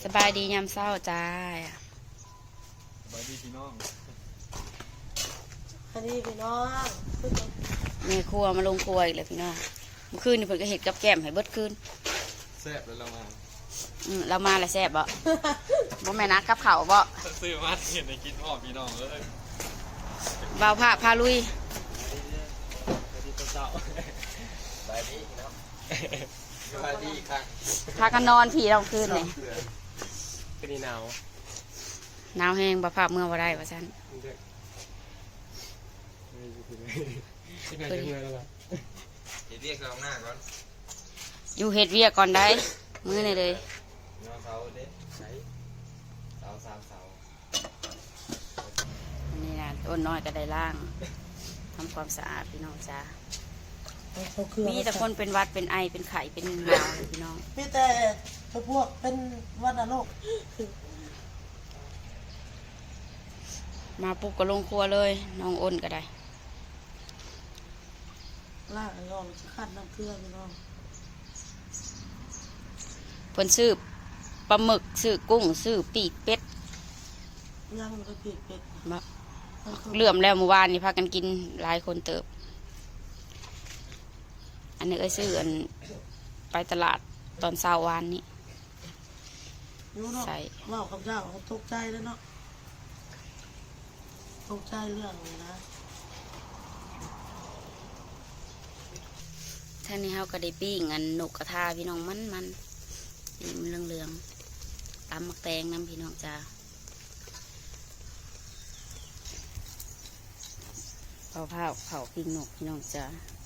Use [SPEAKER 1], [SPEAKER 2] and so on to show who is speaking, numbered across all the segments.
[SPEAKER 1] สบายดียามเศร้าจ้า
[SPEAKER 2] สบายดีพี่น้อง
[SPEAKER 3] อันนี้พี่น้อง
[SPEAKER 1] แม่ครัวมาลงครัวอีกแล้วพี่น้องเมื่อคืนนี่เพิ่นก็เห็ดกับแก้มให้เบิดคืน
[SPEAKER 2] แซ่บแล้วเรามา
[SPEAKER 1] เรามาแล้วแซ่บบ่บ่แม่นนะกับข้าวบ่
[SPEAKER 2] ซื้อมาเห็นในกินออกพี่น้องเลย
[SPEAKER 1] บ่าวพาลุย
[SPEAKER 2] สวัสดีเจ้าสบายดีพี่น้องสบายดีค่ะ
[SPEAKER 1] พากันนอนพี่เราคืนนี่
[SPEAKER 2] เป็นหนาว
[SPEAKER 1] หนาวแห้งบ่พาเมื่อบ่ได้ว่าซั่น
[SPEAKER 2] เรียกเราหน้าก่อน
[SPEAKER 1] อยู่เฮ็ดเวียกก่อนได้มื้อนี่เลย
[SPEAKER 2] นอนเสาเด้ใช้เสา3 เสา
[SPEAKER 1] อันนี้นะต้นน้อยก็ได้ล่างทำความสะอาดพี่น้องจ้ามีแต่คนเป็นวัดเป็นไอเป็นไข้เป็นหนาวพี่น้อง
[SPEAKER 3] มีแต่พวกเป็นวัณโรค
[SPEAKER 1] มาปุ๊บก็ลงครัวเลยน้องอ้นก็ได้
[SPEAKER 3] ล่างยอมขัดน้ำเกลือพี่น้อง
[SPEAKER 1] เพิ่นซื้อปลาหมึกซื้อกุ้งซื้อปีกเป็ด
[SPEAKER 3] ย่างมันก็ปีกเป็ด
[SPEAKER 1] เหลื่อมแล้วเมื่อวานนี่พากันกินหลายคนเติบอันนี้ก็ซื้ออันไปตลาดตอนเช้าวานนี้
[SPEAKER 3] ใส่ว่าคำเจ้าเขาตกใจแล้วเนาะตกใจเรื่องเลยนะ
[SPEAKER 1] ท่านี้เขาก็ได้ปิ้งอันนกกระทาพี่น้องมันปีมันเหลืองตำมักแตงน้ำพี่น้องจ้าเผาปิ้งนกพี่น้องจ้า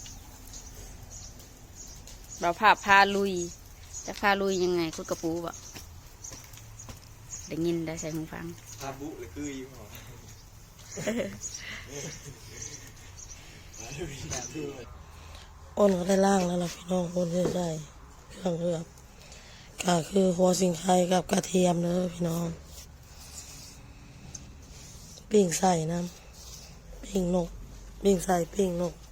[SPEAKER 1] เราพาลุยจะพาลุยยังไงคุดกระปูบ่ได้ยินได้ใส่หูฟัง
[SPEAKER 2] พาบุหรือคืออยู่หรอ
[SPEAKER 3] อ้นก็ได้ล่างแล้วล่ะพี่น้องอ้นได้เครื่องเลือกก็คือหัวสิงไคกับกระเทียมเด้อพี่น้องปิ้งใส่น้ำปิ้งนกปิ้งใส่ปิ้งนก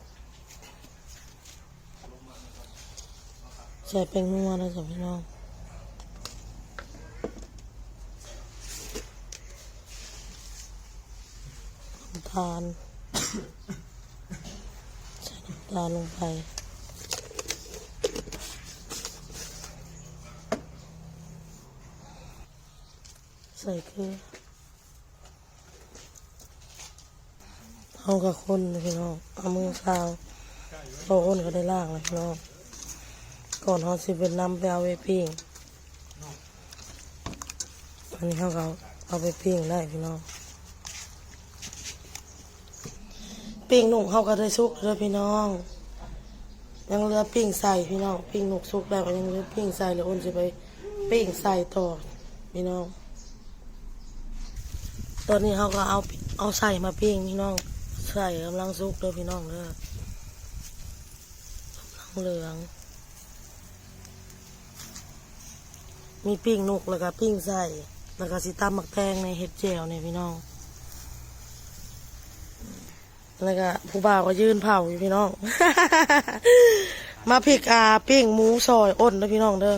[SPEAKER 3] ใส่เป็นนัวนะจ๊ะพี่น้องน้ำตาลใส่น้ำตาลลงไปใส่เกลือเอากับคนพี่น้องเอามือซาวพอคนก็ได้ล่างเลยพี่น้องก่อนเขาสิเป็นน้ำไปเอาไปปิ้งอันนี้เขาก็เอาไปปิ้งได้พี่น้องปิ้งหนุ่มเขาก็ได้สุกแล้วพี่น้องยังเหลือปิ้งใส่พี่น้องปิ้งหนุ่มสุกแล้วยังเหลือปิ้งใส่แล้วอ้นจะไปปิ้งใส่ต่อพี่น้องตอนนี้เขาก็เอาใส่มาปิ้งพี่น้องใส่กำลังสุกเลยพี่น้องเลยกำลังเหลืองมีปิ้งนกแล้วก็ปิ้งใส่แล้วก็สิตำหมักแตงในเห็ดแจ่วเนี่ยพี่น้องแล้วก็ผู้บ่าวก็ยืนเผาอยู่พี่น้อง มาพริกปิ้งหมูซอยอ้นนะพี่น้องเด้อ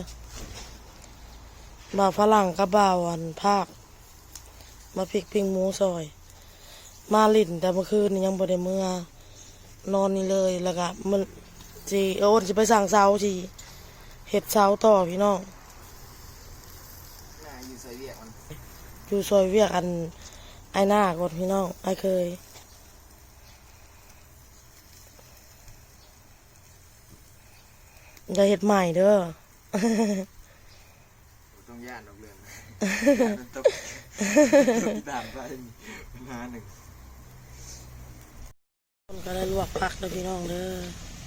[SPEAKER 3] บ่าวฝรั่งกับบ่าวอันภาคมาพริกปิ้งหมูซอยมาลิ่นแต่เมื่อคืนนี้ยังบ่ได้เมื่อนอนนี่เลยแล้วก็มันจีอ้นจะไปสั่งเสาจีเห็ดเสาต่อพี่น้อง
[SPEAKER 2] อยู่ซอยเวียกมัน
[SPEAKER 3] อยู่ซอยเวียกอันไอหน้ากดพี่น้องไอเคยจะเห็ดใหม่เด้อ
[SPEAKER 2] ต้องย่านดอกเรืองต้องด่านไปมาหนึ่ง
[SPEAKER 3] ก็ได้ลวกผักเลยพี่น้องเด้อ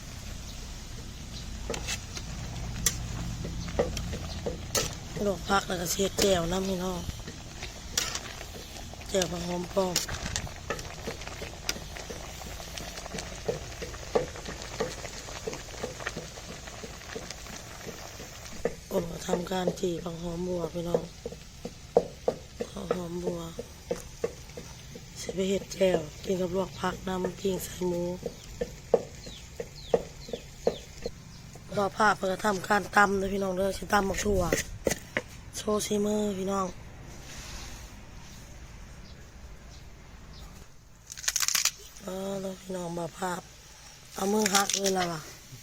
[SPEAKER 3] ลวกผักแล้วก็เสียแจ่วน้ำพี่น้องแจ่วผักหอมป้อมผมก็ทำการจีผักหอมบัวพี่น้องผักหอมบัวใส่ไปเห็ดแจ่วกินกับลวกผักน้ำกิ้งใส่หมูรอผ้าเพื่อทำการตำเลยพี่น้องเด้อฉันตำหมกถั่วซว์ซีมือพี่น้องแล้วพี่น้องมาภาพเอามือหักเลยล่ะว่ะ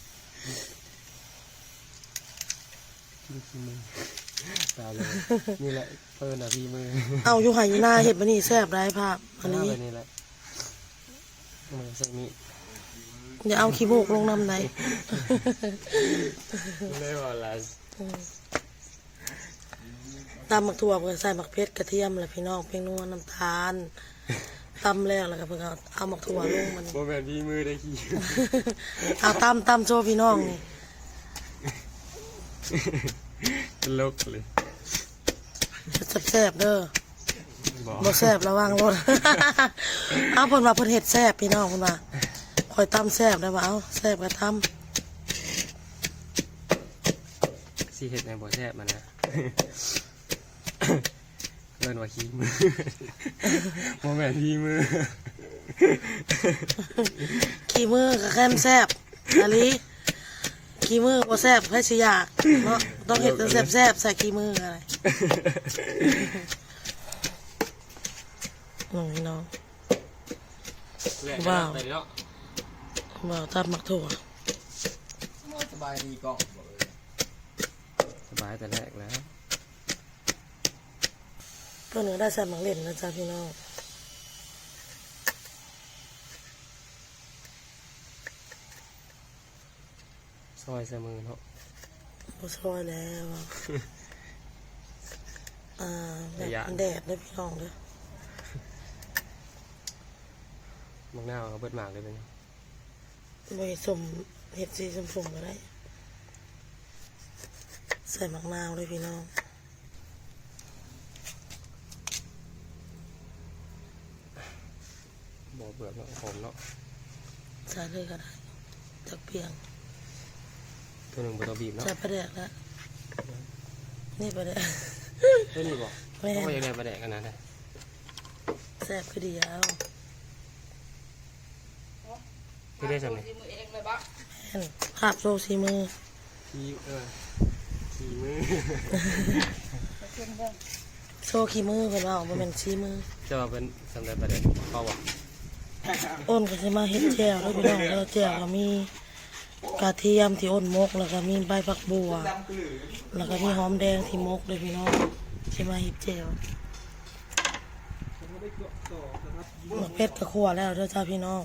[SPEAKER 2] ตาเลยนี่แหละเพิ่นอ่ะพี่มือ
[SPEAKER 3] เอาอยู่ไหอยู่หน้าเห็ดมันนี่แซ่บได้ภาพอันนี้
[SPEAKER 2] แบบนี้แหละมือใส่มีด
[SPEAKER 3] เดี๋ยวเอาขี้มูกลงน้ำไหน
[SPEAKER 2] ไม่ว่าละ
[SPEAKER 3] ตำหมักถั่วเพื่อใส่หมักเพชรกระเทียมแหละพี่น้องเพียงนัวน้ำตาลตำแล้วก็เพิ่งเอาหมักถั่วลงมัน
[SPEAKER 2] โมแบบพี่มือได้ขี้
[SPEAKER 3] เอาตำโชว์พี่น้องนี่
[SPEAKER 2] ตลกเลย
[SPEAKER 3] แซ่บๆเด้อ
[SPEAKER 2] บอก
[SPEAKER 3] บ่แซ่บระวังรถ เอาเพิ่นว่าเพิ่นเฮ็ดแซ่บพี่น้องเพิ่นว่าคอยตำแซ่บได้บ่เอาแซ่บก็ต
[SPEAKER 2] สีเห็ดในบ่อแซ่บมันนะเล่นว่าขี้มือโมแบบพี่มือ
[SPEAKER 3] ำขี้มือก็แค่มแซ่บอะลิขี้มือบ่แซ่บให้สิอยากเนาะต้องเฮ็ดแต่แซ่บๆใส่ขี้มืออะไรพี่น้อง ว้าว
[SPEAKER 2] ไปเนาะ
[SPEAKER 3] บ่าวตำหมักถั่ว
[SPEAKER 2] สบายดีกล้องสบายแต่แรกแล้ว
[SPEAKER 3] เพิ่นก็ได้ใส่หมักเล่นนะจ๊ะพี่น้อง
[SPEAKER 2] ซอยใส่มือเนาะ
[SPEAKER 3] บ่ซอยแล้วอะแบบมันแดดเด้อพี่น้องเด้อ
[SPEAKER 2] มักหน้าเอาเบิดหมากเลยเป็น
[SPEAKER 3] บ่ให้สมเฮ็ดสีสมๆก็ได้ใส่หมักนาวเลยพี่น้อง
[SPEAKER 2] บ่เบื่อเนาะหอมเนาะ
[SPEAKER 3] ใส่เลยก็ได้จักเพียง
[SPEAKER 2] ตัวหนึ่งบ่ต้องบีบเนาะ
[SPEAKER 3] ใส่ปลาแดกแล้วนี่ปลาแดก
[SPEAKER 2] ตัวนี้บ่
[SPEAKER 3] แม่น
[SPEAKER 2] เขาอยากได้ปลาแดกกันนะ
[SPEAKER 3] แซ่บคือเดียว
[SPEAKER 2] ที่ได้จังไง
[SPEAKER 3] แม่นภาพโซซีมือ
[SPEAKER 2] ขี้ขี้มือ
[SPEAKER 3] โซขี้มือเพิ่นว่าบ่แม่นซีมือ
[SPEAKER 2] จะว่าเป็นสำหรับปลาแดกเขาบ่
[SPEAKER 3] อ้นก็สิมาเฮ็ดแจ่วเด้อพี่น้องเด้อแจ่วก็มีกระเทียมที่อ้นมกแล้วก็มีใบผักบัวแล้วก็มีหอมแดงที่มกเลยพี่น้องสิมาเฮ็ดแจ่วหมักเพชรก็คั่วแล้วเด้อจ้าพี่น้อง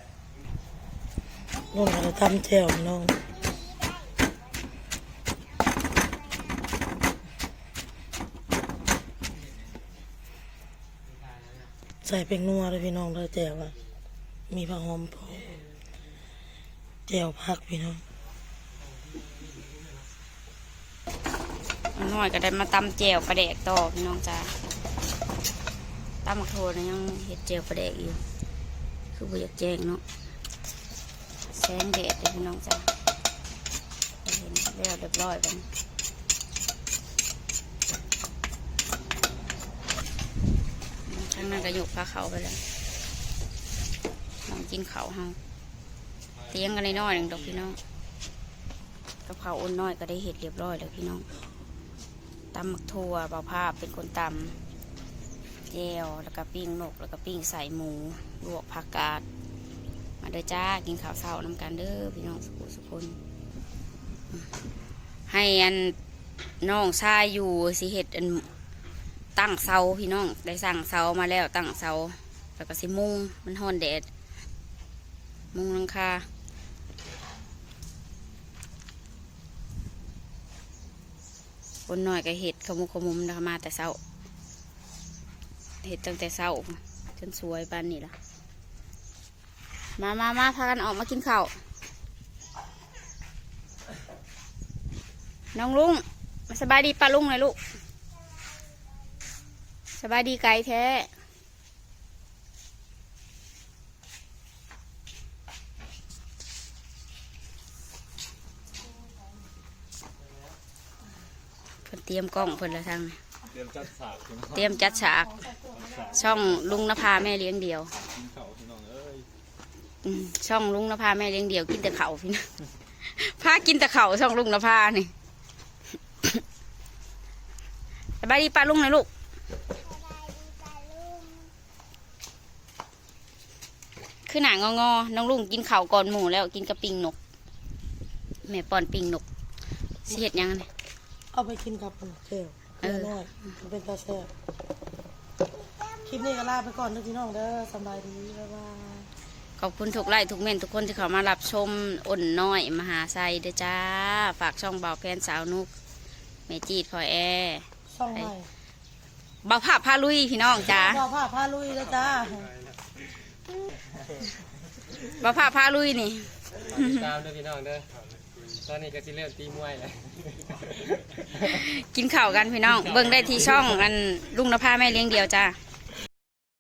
[SPEAKER 3] ลงก็ได้ตำแจ่วพี่น้องใส่เป็นนัวเลยพี่น้องเด้อแจ่วอะมีผักหอมพอแจ่วผักพี่น้อง
[SPEAKER 1] น้อยก็ได้มาตำแจ่วปลาแดกต่อพี่น้องจ้าตำหมักโทนะยังเห็ดแจ่วปลาแดกอยู่คือบ่อยากแจ้งเนาะแสงแดดเลยพี่น้องจ้าเห็นแล้วเรียบร้อยกันข้างหน้าก็ยกพาเขาไปแล้วลองกินเขาเฮาเตียงกันน้อยๆหนึ่งดอกพี่น้องกับเขาอุ่นน้อยก็ได้เห็ดเรียบร้อยแล้วพี่น้องตำหมักทั่วเบาภาพเป็นคนตำแจวแล้วก็ปิ้งนกแล้วก็ปิ้งใส่หมูลวกผักกาดมาเด้อจ้ากินข้าวเช้าน้ำกันเด้อพี่น้องสุขคนให้อันน้องชายอยู่สิเห็ดอันตั้งเสาพี่น้องได้สั่งเสามาแล้วตั้งเสาแล้วก็สิมุงมันฮ้อนแดดมุงหลังคาคนหน่อยก็เห็ดขมุกขมุมนะคะมาแต่เช้าเห็ดตั้งแต่เช้าจนสวยปานนี้ล่ะมาพากันออกมากินข้าวน้องลุงมาสบายดีป้าลุงเลยลูกสบายดีไกลแท้เพิ่นเตรียมกล้องเพิ่นละทางนี้เตรียมจัดฉากช่องลุงนภาแม่เลี้ยงเดียวช่องลุงนภาแม่เลี้ยงเดียวกินแต่เขาพี่นะพากินแต่เขาช่องลุงนภานี่ไปบายดีป้าลุงหน่อยลูกคือหนางองๆน้องลุงกินข้าวก่อนหมูแล้วกินกับปิงนกแม่ป้อนปิงนกสิเฮ็ดหยังไง
[SPEAKER 3] เอาไปกินกับแก้วเกลือน้อยมันเป็นตาแซ่บคลิปนี้ก็ลาไปก่อนเด้อพี่น้องเด้อสบายดีบ๊ายบาย
[SPEAKER 1] ขอบคุณทุกไลค์ทุกเมนทุกคนที่เข้ามารับชมอ่อนน้อยมหาไซเด้อจ้าฝากช่องเบาแพนสาวนุกแม่จีดพลอยแอร์
[SPEAKER 3] ช่องใหม่
[SPEAKER 1] เบาภาพพาลุยพี่น้องจ้า
[SPEAKER 3] บ่าวผ้าพาลุยแล้วจ้า
[SPEAKER 1] เบาภาพพาลุยนี่
[SPEAKER 2] ติดตามเด้อพี่น้องเด้อตอนนี้ก็สิเริ่มตีมวยแล้ว
[SPEAKER 1] กินข้าวกันพี่น้อง เบิ่งได้ที่ช่องอันลุงนภาแม่เลี้ยงเดียวจ้า